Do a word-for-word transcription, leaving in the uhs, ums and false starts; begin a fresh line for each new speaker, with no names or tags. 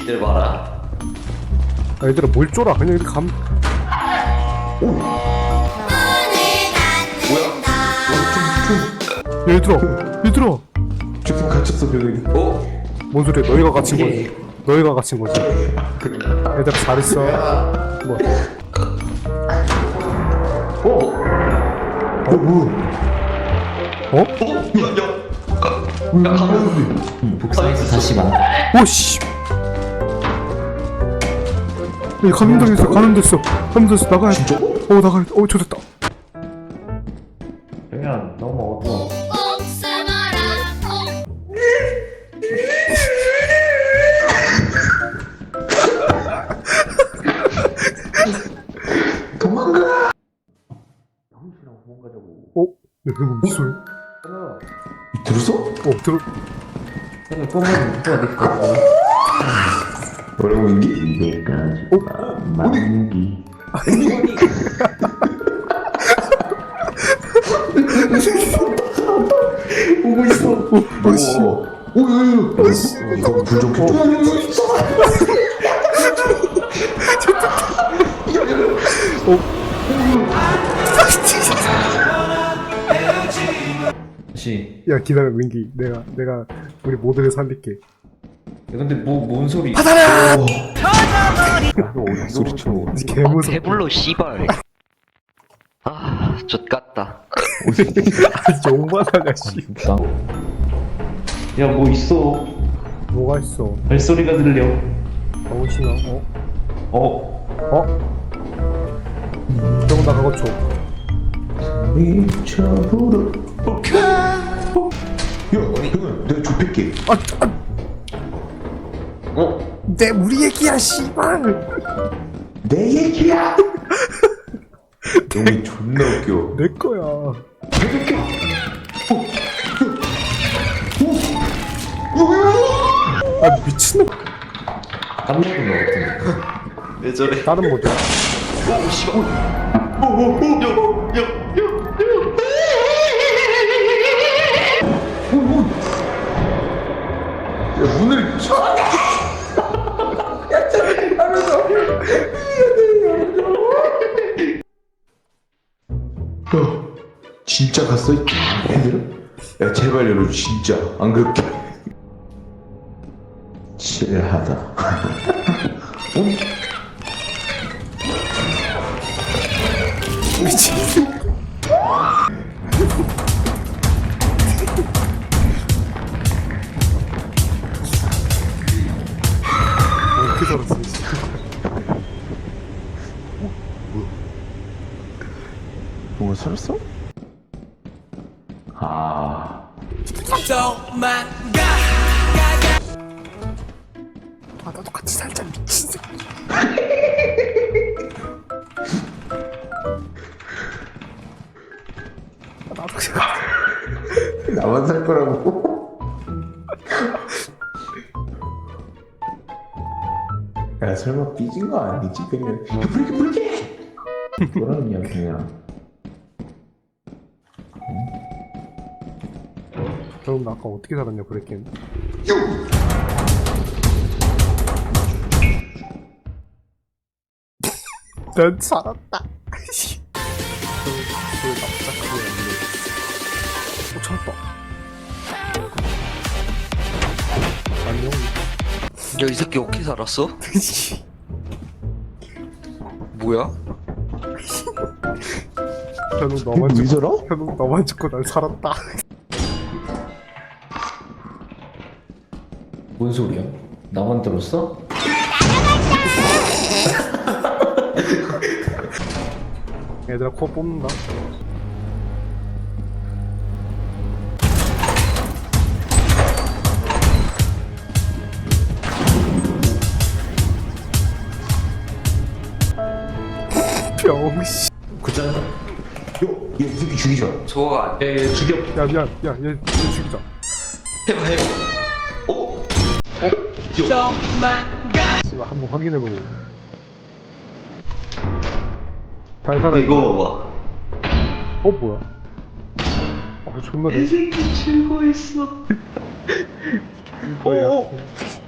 니들 봐라.
아, 얘들아 뭘 쫄아 그냥 이렇게 감.
뭐야?
얘들아 얘들아
지금 갇혔어 벽에.
어?
뭔 소리야 너희가 갇힌 거지. 너희가 갇힌 거지. 얘들아 잘했어. 뭐
어? 어 뭐?
어?
야, 가면 복사해서 다시 만나.
오씨 얘 감염당했어 감염됐어 감염됐어 나가야 돼.
진짜?
어 나가야 돼. 어 좋됐다.
그냥 너무 어두워. 도망가. 형씨랑 도망 가자고.
어? 야 그거 무슨 소리?
들었어?
어 들어.
형이 뽑으면 누가 될까?
뭐라고 인기?
어?
만기. 오고 있어.
어, 씨.
오오오. 이거 불좀 켜줘.
다시.
야 기다려 민기 내가 내가 우리 모두를 살릴게.
야, 근데 뭐 뭔 소리?
소리 쳐.
개무서.
배불러 씨발. 아, 좆같다.
용만하냐 씨.
야, 뭐 있어?
뭐가 있어?
발소리가 들려.
너무 신어. 어?
어?
어? 저거 나 그거 줘.
미쳐부르. 야, 형은 내가 좁힐게.
아, 아,
어?
내 우리 얘기야 씨발.
내 얘기야. 형이 존나 웃겨.
내 거야. 아 미친놈.
깜짝인 거 같은데. 왜 저래?
다른 모드.
오, 씨발. 오, 오, 오, 야, 야, 야.
야, 문을 쳐. 야, 진짜 갔어? 애들? 야, 제발 열어줘, 진짜. 안 그럴게. 칠하다. 어?
미친. 어떻게 살았어? 씨.
뭔가 살았어? 아.
아 나도 같이 살자 미친 새끼. 아, 나도 그냥.
나만 살 거라고? 야, 설마 삐진 거 아니지? 그냥. 야, 부르게, 부르게! 그런 이야기야.
그럼 나 아까 어떻게 살았냐 브레이킹. 난 살았다. 그 납작하게 없네. 어 찾았다. 안녕.
야, 이 새끼 어떻게 살았어? 뭐야?
현웅 너만
왜
죽고
저러?
현웅 너만 죽고 난 살았다.
뭔 소리야? 나만 들었어?
얘들아 코어 뽑는다. 병씨.
그잖아.
야, 얘 이 새끼 죽이자.
저거가 안 돼.
에, 죽여.
야 미안 야얘 얘 죽이자.
해봐, 해봐. 어?
씨발 한번 확인해보고. 잘 살아.
이거 봐봐.
어 뭐야? 아 존나 내.
새끼 즐거했어.
뭐야?